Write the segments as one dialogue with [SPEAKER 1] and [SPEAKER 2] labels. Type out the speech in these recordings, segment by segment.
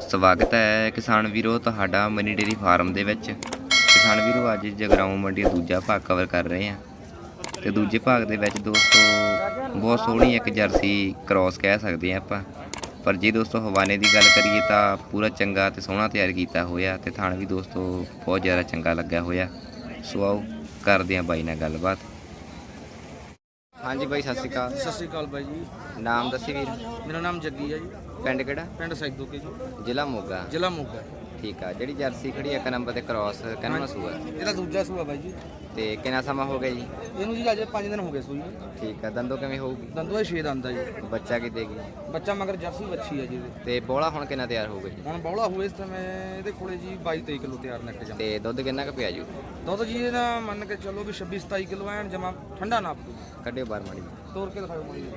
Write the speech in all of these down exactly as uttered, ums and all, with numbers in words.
[SPEAKER 1] ਸਵਾਗਤ ਹੈ ਕਿਸਾਨ ਵੀਰੋ ਤੁਹਾਡਾ ਮਨੀ ਡੇਰੀ ਫਾਰਮ ਦੇ ਵਿੱਚ। ਕਿਸਾਨ ਵੀਰੋ ਅੱਜ ਜਗਰਾਉਂ ਮੰਡੀ ਦਾ ਦੂਜਾ ਭਾਗ ਕਵਰ ਕਰ ਰਹੇ ਹਾਂ ਤੇ ਦੂਜੇ ਭਾਗ ਦੇ ਵਿੱਚ ਦੋਸਤੋ ਬਹੁਤ ਸੋਹਣੀ ਇੱਕ ਜਰਸੀ ਕ੍ਰੋਸ ਕਹਿ ਸਕਦੇ ਹਾਂ ਆਪਾਂ। ਪਰ ਜੇ ਦੋਸਤੋ ਹਵਾਨੇ ਦੀ ਗੱਲ ਕਰੀਏ ਤਾਂ ਪੂਰਾ ਚੰਗਾ ਤੇ ਸੋਹਣਾ ਤਿਆਰ ਕੀਤਾ ਹੋਇਆ ਤੇ ਥਣ ਵੀ ਦੋਸਤੋ ਬਹੁਤ ਜ਼ਿਆਦਾ ਚੰਗਾ ਲੱਗਾ ਹੋਇਆ। ਸੋ ਆਓ ਕਰਦੇ ਹਾਂ ਬਾਈ ਨਾਲ ਗੱਲਬਾਤ। ਹਾਂਜੀ ਬਾਈ, ਸਤਿ ਸ਼੍ਰੀ ਅਕਾਲ।
[SPEAKER 2] ਸਤਿ ਸ਼੍ਰੀ ਅਕਾਲ ਬਾਈ ਜੀ।
[SPEAKER 1] ਨਾਮ ਦੱਸੀ ਵੀਰ।
[SPEAKER 2] ਮੇਰਾ ਨਾਮ ਜੱਗੀ ਹੈ ਜੀ।
[SPEAKER 1] ਪਿੰਡ ਕਿਹੜਾ?
[SPEAKER 2] ਪਿੰਡ ਸੈਦੋਕੇ ਜੀ,
[SPEAKER 1] ਜ਼ਿਲ੍ਹਾ ਮੋਗਾ।
[SPEAKER 2] ਜ਼ਿਲ੍ਹਾ ਮੋਗਾ।
[SPEAKER 1] ਠੀਕ ਆ। ਜਿਹੜੀ ਜਰਸੀ ਖੜੀ ਇੱਕ ਨੰਬਰ ਤੇ ਕ੍ਰੋਸ ਕਿੰਨਾ ਸੂਆ?
[SPEAKER 2] ਇਹਦਾ ਦੂਜਾ ਸੂਆ ਬਾਈ ਜੀ।
[SPEAKER 1] ਤੇ ਕਿੰਨਾ ਸਮਾਂ ਹੋ ਗਿਆ ਜੀ
[SPEAKER 2] ਇਹਨੂੰ ਜੀ ਅਜੇ ਪੰਜ ਦਿਨ ਹੋ ਗਏ ਸੂਈ।
[SPEAKER 1] ਠੀਕ ਆ। ਦੰਦੋਂ ਕਿਵੇਂ ਹੋਊਗੀ?
[SPEAKER 2] ਦੰਦੋਂ ਛੇ ਦੰਦ ਆ ਜੀ।
[SPEAKER 1] ਬੱਚਾ ਕੀ ਦੇਗੀ?
[SPEAKER 2] ਬੱਚਾ ਮਗਰ ਜਰਸੀ ਬੱਚੀ ਹੈ ਜੀ ਇਹਦੇ।
[SPEAKER 1] ਤੇ ਬੋਲਾ ਹੁਣ ਕਿੰਨਾ ਤਿਆਰ ਹੋਊਗਾ ਜੀ?
[SPEAKER 2] ਹੁਣ ਬੌਲਾ ਹੋਏ ਇਸ ਸਮੇਂ ਇਹਦੇ ਕੋਲੇ ਜੀ ਬਾਈ ਤੇਈ ਕਿਲੋ ਤਿਆਰ ਨਿਕਲ ਜਾਂਦਾ।
[SPEAKER 1] ਤੇ ਦੁੱਧ ਕਿੰਨਾ ਕੁ ਪਿਆ ਜੂ?
[SPEAKER 2] ਦੁੱਧ ਜੀ ਇਹਦਾ ਮੰਨ ਕੇ ਚੱਲੋ ਵੀ ਛੱਬੀ ਸਤਾਈ ਕਿਲੋ ਐਨ ਜਮਾ ਠੰਡਾ ਨਾਪ ਦੂ।
[SPEAKER 1] ਕੱਢਿਓ ਬਾਹਰ ਮਾੜੀ।
[SPEAKER 2] ਤੋੜ ਕੇ ਦਿਖਾਓ ਮਾੜੀ।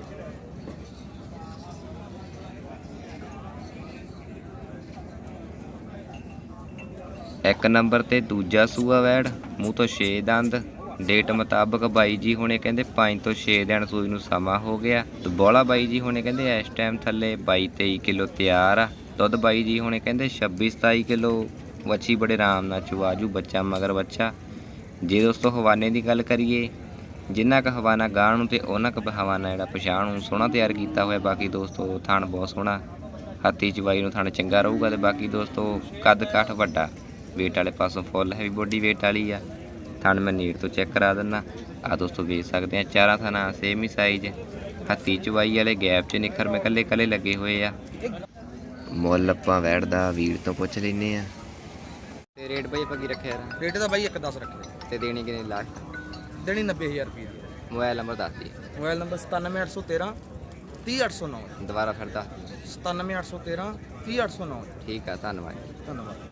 [SPEAKER 1] ਇੱਕ ਨੰਬਰ ਤੇ ਦੂਜਾ ਸੂਆ ਵੈੜ, ਮੂੰਹ ਤੋਂ ਛੇ ਦੰਦ। ਡੇਟ ਮੁਤਾਬਕ ਬਾਈ ਜੀ ਹੁਣੇ ਕਹਿੰਦੇ ਪੰਜ ਤੋਂ ਛੇ ਦਿਨ ਸੂਈ ਨੂੰ ਸਮਾਂ ਹੋ ਗਿਆ। ਤੇ ਬੋਲਾ ਬਾਈ ਜੀ ਹੁਣੇ ਕਹਿੰਦੇ ਇਸ ਟਾਈਮ ਥੱਲੇ ਬਾਈ ਤੇਈ ਕਿਲੋ ਤਿਆਰ ਆ। ਦੁੱਧ ਬਾਈ ਜੀ ਹੁਣੇ ਕਹਿੰਦੇ ਛੱਬੀ ਸਤਾਈ ਕਿਲੋ। ਵੱਛੀ ਬੜੇ ਆਰਾਮ ਨਾਲ ਚਵਾਜੂ, ਬੱਚਾ ਮਗਰ ਬੱਚਾ। ਜੇ ਦੋਸਤੋ ਹਵਾਨੇ ਦੀ ਗੱਲ ਕਰੀਏ, ਜਿੰਨਾ ਕੁ ਹਵਾਨਾ ਗਾਹ ਨੂੰ ਤੇ ਉਹਨਾਂ ਕੁ ਹਵਾਨਾ ਜਿਹੜਾ ਪਛਾਣ ਨੂੰ ਸੋਹਣਾ ਤਿਆਰ ਕੀਤਾ ਹੋਇਆ। ਬਾਕੀ ਦੋਸਤੋ ਥਣ ਬਹੁਤ ਸੋਹਣਾ, ਹੱਥੀ ਚਵਾਈ ਨੂੰ ਥਣ ਚੰਗਾ ਰਹੂਗਾ। ਤੇ ਬਾਕੀ ਦੋਸਤੋ ਕੱਦ ਕਾਠ ਵੱਡਾ, ਵੇਟ ਵਾਲੇ ਪਾਸੋਂ ਫੁੱਲ ਹੈਵੀ ਬੋਡੀ ਵੇਟ ਵਾਲੀ ਆ। ਥਣ ਮੈਂ ਨੀਟ ਤੋਂ ਚੈੱਕ ਕਰਾ ਦਿੰਦਾ। ਆ ਦੋਸਤੋ ਵੇਖ ਸਕਦੇ ਆ ਚਾਰਾਂ ਥਣਾ ਸੇਮ ਹੀ ਸਾਈਜ਼, ਹੱਥੀ ਚਵਾਈ ਵਾਲੇ ਗੈਪ 'ਚ ਨਿਖਰ ਮੈਂ ਕੱਲੇ ਕੱਲੇ ਲੱਗੇ ਹੋਏ ਆ। ਮੁੱਲ ਆਪਾਂ ਵੈੜ ਦਾ ਵੀਰ ਤੋਂ ਪੁੱਛ ਲੈਨੇ ਆ। ਤੇ ਰੇਟ ਬਾਈ ਆਪਾਂ ਕੀ ਰੱਖਿਆ ਯਾਰ?
[SPEAKER 2] ਰੇਟ ਦਾ ਬਾਈ ਇੱਕ ਦਸ ਰੱਖਿਆ
[SPEAKER 1] ਤੇ ਦੇਣੀ ਕਿੰਨੀ ਲਾਸਟ?
[SPEAKER 2] ਦੇਣੀ ਨੱਬੇ ਹਜ਼ਾਰ ਰੁਪਏ ਦੀ।
[SPEAKER 1] ਮੋਬਾਈਲ ਨੰਬਰ ਦੱਸ ਦੀ।
[SPEAKER 2] ਮੋਬਾਈਲ ਨੰਬਰ ਸਤਾਨਵੇਂ ਅੱਠ ਸੌ ਤੇਰਾਂ ਤੀਹ ਅੱਠ ਸੌ ਨੌਂ।
[SPEAKER 1] ਦੁਬਾਰਾ ਫਿਰ ਦੱਸ।
[SPEAKER 2] ਸਤਾਨਵੇਂ ਅੱਠ ਸੌ ਤੇਰਾਂ ਤੀਹ ਅੱਠ ਸੌ ਨੌਂ।
[SPEAKER 1] ਠੀਕ ਆ, ਧੰਨਵਾਦ।
[SPEAKER 2] ਧੰਨਵਾਦ।